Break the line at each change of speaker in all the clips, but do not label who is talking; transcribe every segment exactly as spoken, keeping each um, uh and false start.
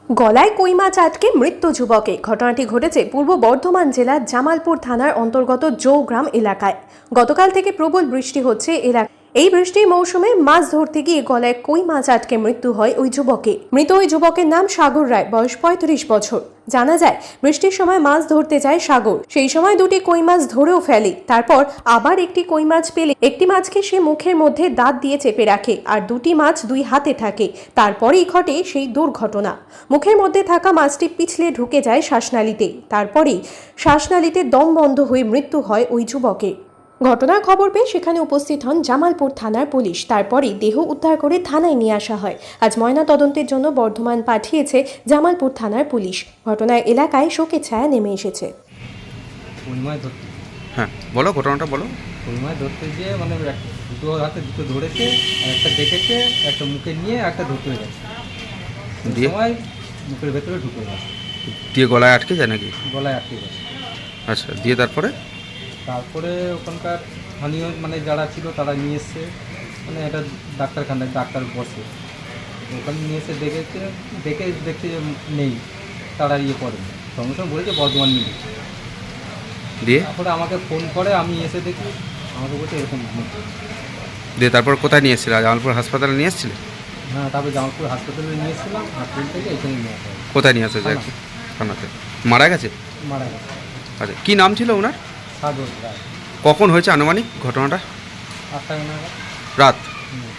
গলায় কই মাছ আটকে মৃত্যু যুবকে। ঘটনাটি ঘটেছে পূর্ব বর্ধমান জেলার জামালপুর থানার অন্তর্গত জৌগ্রাম এলাকায়। গতকাল থেকে প্রবল বৃষ্টি হচ্ছে এলাকায়। এই বৃষ্টির মৌসুমে মাছ ধরতে গিয়ে গলায় কই মাছ আটকে মৃত্যু হয় ওই যুবকে। মৃত ওই যুবকের নাম সাগর রায়, বয়স পঁয়ত্রিশ বছর। জানা যায়, বৃষ্টির সময় মাছ ধরতে যায় সাগর। সেই সময় দুটি কই মাছ ধরেও ফেলে। তারপর আবার একটি কই মাছ পেলে একটি মাছকে সে মুখের মধ্যে দাঁত দিয়ে চেপে রাখে, আর দুটি মাছ দুই হাতে থাকে। তারপরেই ঘটে সেই দুর্ঘটনা। মুখের মধ্যে থাকা মাছটি পিছলে ঢুকে যায় শ্বাসনালীতে। তারপরেই শ্বাসনালীতে দম বন্ধ হয়ে মৃত্যু হয় ওই যুবকের। ঘটনার খবর পেয়ে সেখানে উপস্থিত হন জামালপুর থানার পুলিশ। তারপরেই দেহ উদ্ধার করে থানায় নিয়ে আসা হয়। আজ ময়না তদন্তের জন্য বর্ধমান পাঠিয়েছে জামালপুর থানার পুলিশ। ঘটনায় এলাকায় শোকের ছায়া নেমে এসেছে।
কই মাছ ধরতে
হ্যাঁ, বলো ঘটনাটা বলো।
কই মাছ ধরতে গিয়ে মানে এক- দুটো হাতে দুটো ধরেছে, আর একটা দেখেছে, একটা মুখে নিয়ে একটা ধরতে হয়ে গেছে। সেই
দিয়ে?
সময় মুখের ভেতরে ঢুকে গেছে,
দিয়ে গলায় আটকে যায় নাকি?
গলায় আটকে গেছে।
আচ্ছা, দিয়ে তারপরে?
তারপরে ওখানকার স্থানীয় মানে যারা ছিল তারা নিয়ে এসছে, মানে একটা ডাক্তারখানায় ডাক্তার বসে, ওখানে নিয়ে এসে দেখেছে, দেখে দেখছে যে নেই, তারা ইয়ে করেনি, সঙ্গে সঙ্গে বলেছে বর্ধমান নিয়ে যেতে।
দিয়ে?
তারপরে আমাকে ফোন করে, আমি এসে দেখি, আমাকে বলছে এরকম হয়েছে।
দিয়ে তারপর কোথায় নিয়ে এসেছিলে? জামালপুর হাসপাতালে নিয়ে এসেছিলে?
হ্যাঁ, তারপরে জামালপুর হাসপাতালে নিয়ে এসেছিলাম, হাসপাতাল থেকে এখানে নিয়ে আসা হয়।
কোথায় নিয়ে আসা যায়? থানাতে। মারা গেছে?
মারা গেছে।
আচ্ছা, কী নাম ছিল ওনার?
সাগর রায়।
কখন হয়েছে আনুমানিক ঘটনাটা?
আটটা নাগাদ।
রাত।
হুম,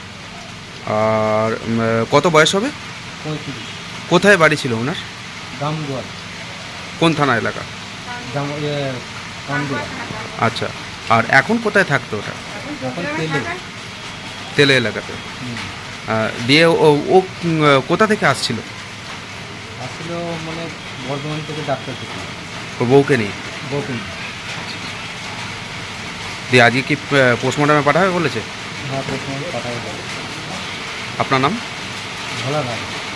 আর উম, কত বয়স হবে?
পঁয়ত্রিশ।
কোথায় বাড়ি ছিল ওনার?
গামদুয়ার।
কোন থানা এলাকা?
জাম ইয়ে গামদুয়ার।
আচ্ছা, আর এখন কোথায় থাকতো ওটা?
যখন তেলে।
তেলে এলাকাতে।
হুম,
আহ, দিয়ে ও ও উম, কোথা থেকে আসছিল?
আসলে মানে বর্ধমান থেকে ডাক্তার থেকে
ওর বউকে নিয়ে?
বকুল।
দিয়ে আজকে কি পোস্টমর্টমে পাঠাবে বলেছে?
হ্যাঁ, প্রথমে পাঠাবে।
আপনার নাম?
ভালো রায়।